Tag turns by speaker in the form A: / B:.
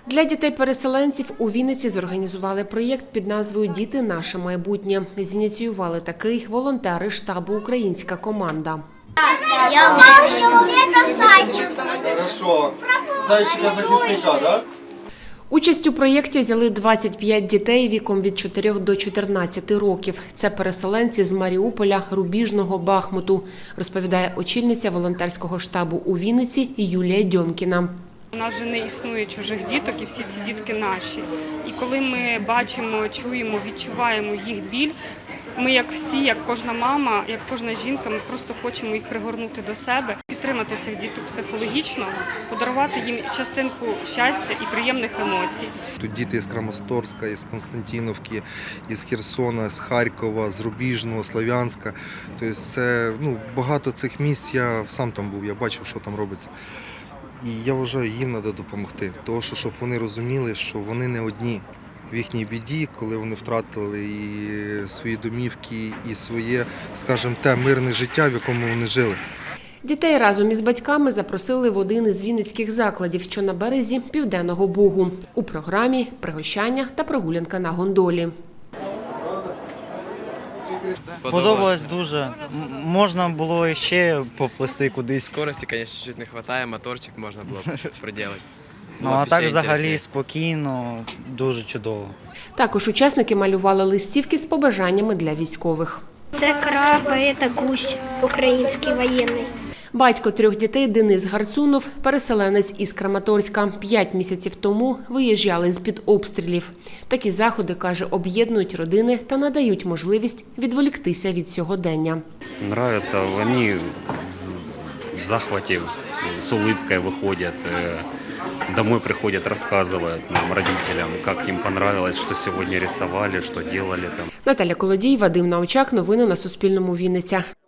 A: Для дітей-переселенців у Вінниці зорганізували проєкт під назвою «Діти – наше майбутнє». Зініціювали такий волонтери штабу «Українська команда».
B: Я мав чоловіка зайчика.
C: Хорошо. Зайчика-захисника, так?
A: Участь у проєкті взяли 25 дітей віком від 4 до 14 років. Це переселенці з Маріуполя, Рубіжного, Бахмуту, розповідає очільниця волонтерського штабу у Вінниці Юлія Дьомкіна.
D: У нас вже не існує чужих діток, і всі ці дітки наші. І коли ми бачимо, чуємо, відчуваємо їх біль, ми, як всі, як кожна мама, як кожна жінка, ми просто хочемо їх пригорнути до себе, підтримати цих діток психологічно, подарувати їм частинку щастя і приємних емоцій.
C: Тут діти з Краматорська, із Константинівки, із Херсона, з Харкова, з Рубіжного, Слов'янська. Тобто це багато цих місць, я сам там був, я бачив, що там робиться. І я вважаю, їм треба допомогти, тому що щоб вони розуміли, що вони не одні в їхній біді, коли вони втратили і свої домівки, і своє, скажімо, те мирне життя, в якому вони жили.
A: Дітей разом із батьками запросили в один із вінницьких закладів, що на березі Південного Бугу. У програмі пригощання та прогулянка на гондолі.
E: Сподобалось дуже. Можна було ще поплисти кудись.
F: Скорості, звісно, чуть не вистачає, моторчик можна було приділити.
E: Ну, а так взагалі спокійно, дуже чудово.
A: Також учасники малювали листівки з побажаннями для військових.
B: Це краб, а це гусь, український воєнний.
A: Батько 3 дітей Денис Гарцунов – переселенець із Краматорська. 5 місяців тому виїжджали з-під обстрілів. Такі заходи, каже, об'єднують родини та надають можливість відволіктися від сьогодення.
G: Нравится, они в захвате, с улыбкой выходят, домой приходят, рассказывают нам, родителям, как им понравилось, что сегодня рисовали, что делали там.
A: Наталя Колодій, Вадим Научак. Новини на Суспільному. Вінниця.